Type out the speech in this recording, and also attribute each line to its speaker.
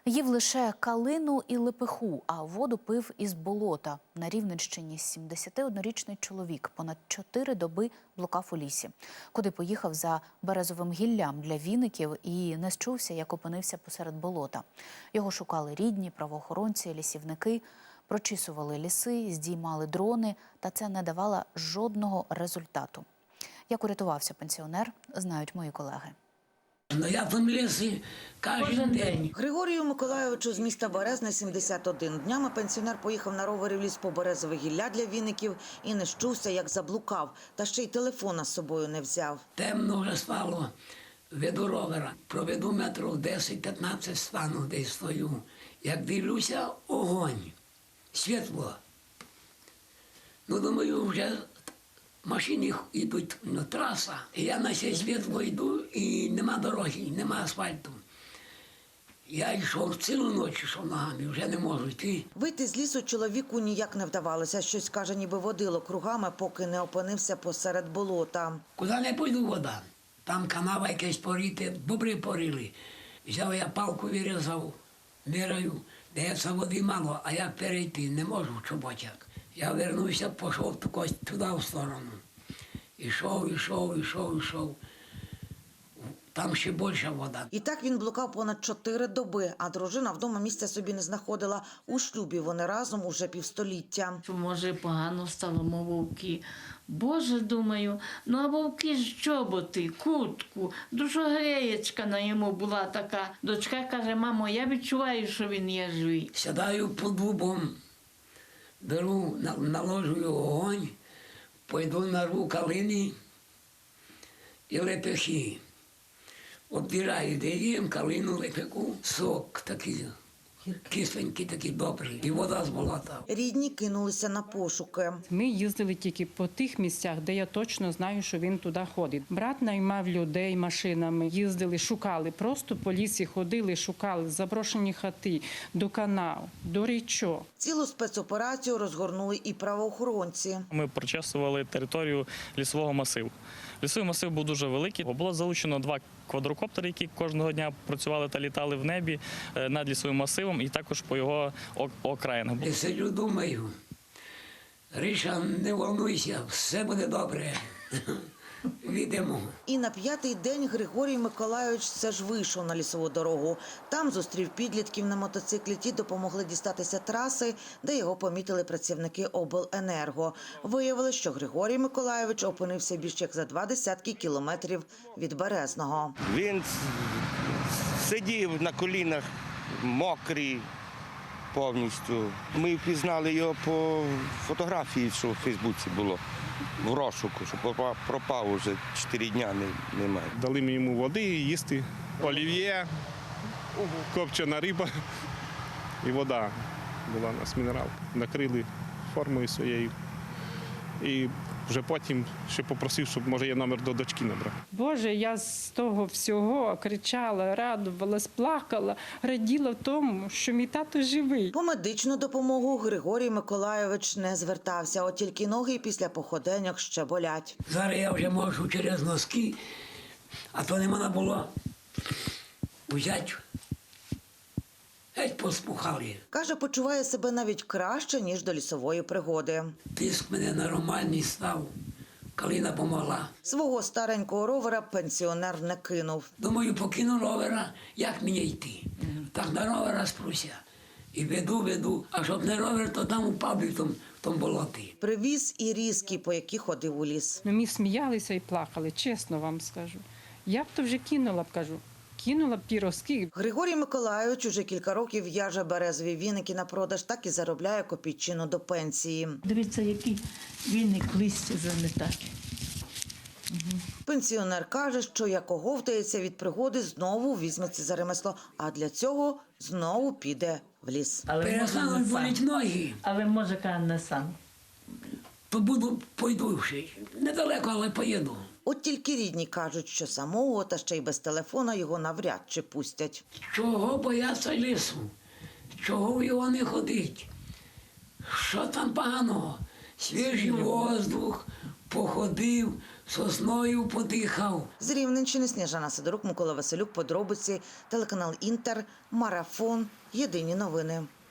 Speaker 1: Їв лише калину і лепеху, а воду пив із болота. На Рівненщині 71-річний чоловік понад 4 доби блукав у лісі, куди поїхав за березовим гіллям для віників і не счувся, як опинився посеред болота. Його шукали рідні, правоохоронці, лісівники, прочісували ліси, здіймали дрони, та це не давало жодного результату. Як урятувався пенсіонер, знають мої колеги.
Speaker 2: Ну, я там лісі кожен день.
Speaker 3: Григорію Миколайовичу з міста Березне 71. Днями пенсіонер поїхав на ровері в ліс по березове гілля для віників і не счувся, як заблукав. Та ще й телефона з собою не взяв.
Speaker 2: Темно вже стало, веду ровера. Проведу метрів 10-15 стану, десь стою. Як дивлюся, огонь, світло. Ну, думаю, вже машини йдуть на траса. І я на це світло йду, і нема дороги, нема асфальту. Я йшов цілу ніч, йшов ногами, вже не можу йти.
Speaker 3: Вийти з лісу чоловіку ніяк не вдавалося. Щось, каже, ніби водило кругами, поки не опинився посеред болота.
Speaker 2: Куди не пойду вода. Там канава якась поріти, бобри порили. Взяв я палку, вирізав, міряю, дається води мало, а я перейти не можу в чоботяк. Я вернувся, пішов туди в сторону. Ішов. Там ще більша вода.
Speaker 3: І так він блукав понад 4 доби, а дружина вдома місця собі не знаходила. У шлюбі вони разом уже півстоліття.
Speaker 4: Може, погано стало, мов вовки. Боже, думаю, ну а вовки з чоботи, куртку, душогреєчка на йому була така. Дочка каже: мамо, я відчуваю, що він є живий.
Speaker 2: Сідаю під дубом, беру, наложую огонь, пойду нарву калини і лепехи. Обдираю, де їм калину, лепеху, сок такий, кисленький, такий добрий, і вода з болота.
Speaker 3: Рідні кинулися на пошуки.
Speaker 5: Ми їздили тільки по тих місцях, де я точно знаю, що він туди ходить. Брат наймав людей машинами, їздили, шукали, просто по лісі ходили, шукали заброшені хати, до канав, до річок.
Speaker 3: Цілу спецоперацію розгорнули і правоохоронці.
Speaker 6: Ми прочесували територію лісового масиву. Лісовий масив був дуже великий. Було залучено 2 квадрокоптери, які кожного дня працювали та літали в небі над лісовим масивом і також по його окраїнах.
Speaker 2: Я сиджу, думаю, Риша, не волнуйся, все буде добре. Відемо.
Speaker 3: І на 5-й день Григорій Миколайович все ж вийшов на лісову дорогу. Там зустрів підлітків на мотоциклі. Ті допомогли дістатися траси, де його помітили працівники обленерго. Виявилось, що Григорій Миколайович опинився більш як за 20 кілометрів від Березного.
Speaker 7: Він сидів на колінах, мокрий повністю. Ми впізнали його по фотографії, що в Фейсбуці було. В розшуку, що пропав уже 4 дні, немає.
Speaker 8: Дали ми йому води їсти, олів'є, копчена риба і вода була у нас, мінерал. Накрили формою своєю. І вже потім ще попросив, щоб, може, я номер до дочки набрав.
Speaker 5: Боже, я з того всього кричала, радувалась, плакала, раділа в тому, що мій тато живий.
Speaker 3: По медичну допомогу Григорій Миколайович не звертався, от тільки ноги після походеньок ще болять.
Speaker 2: Зараз я вже можу через носки, а то не можна було взяти. Геть поспухали.
Speaker 3: Каже, почуває себе навіть краще, ніж до лісової пригоди.
Speaker 2: Тиск мене нормальний став, калина помогла.
Speaker 3: Свого старенького ровера пенсіонер не кинув.
Speaker 2: Думаю, покину ровера, як мені йти? Так на ровера спруся. І веду, а щоб не ровер, то там упав би в тому болоті.
Speaker 3: Привіз і різки, по які ходив у ліс.
Speaker 5: Ми сміялися і плакали, чесно вам скажу. Я б то вже кинула б, кажу. Кинула б піроски.
Speaker 3: Григорій Миколайович уже кілька років в'яже березові віники на продаж, так і заробляє копійчину до пенсії.
Speaker 4: Дивіться, який віник листя заметати.
Speaker 3: Пенсіонер каже, що як оговтається від пригоди, знову візьметься за ремесло, а для цього знову піде в ліс.
Speaker 2: Перестануть боліти ноги,
Speaker 4: Але може, каже, не сам.
Speaker 2: то пойду ще. Недалеко, але поїду.
Speaker 3: От тільки рідні кажуть, що самого та ще й без телефона його навряд чи пустять.
Speaker 2: Чого бояться лісу? Чого в його не ходить? Що там поганого? Свіжий воздух, походив, сосною подихав.
Speaker 3: З Рівненщини Сніжана Сидорук, Микола Василюк, подробиці, телеканал Інтер, Марафон, Єдині новини.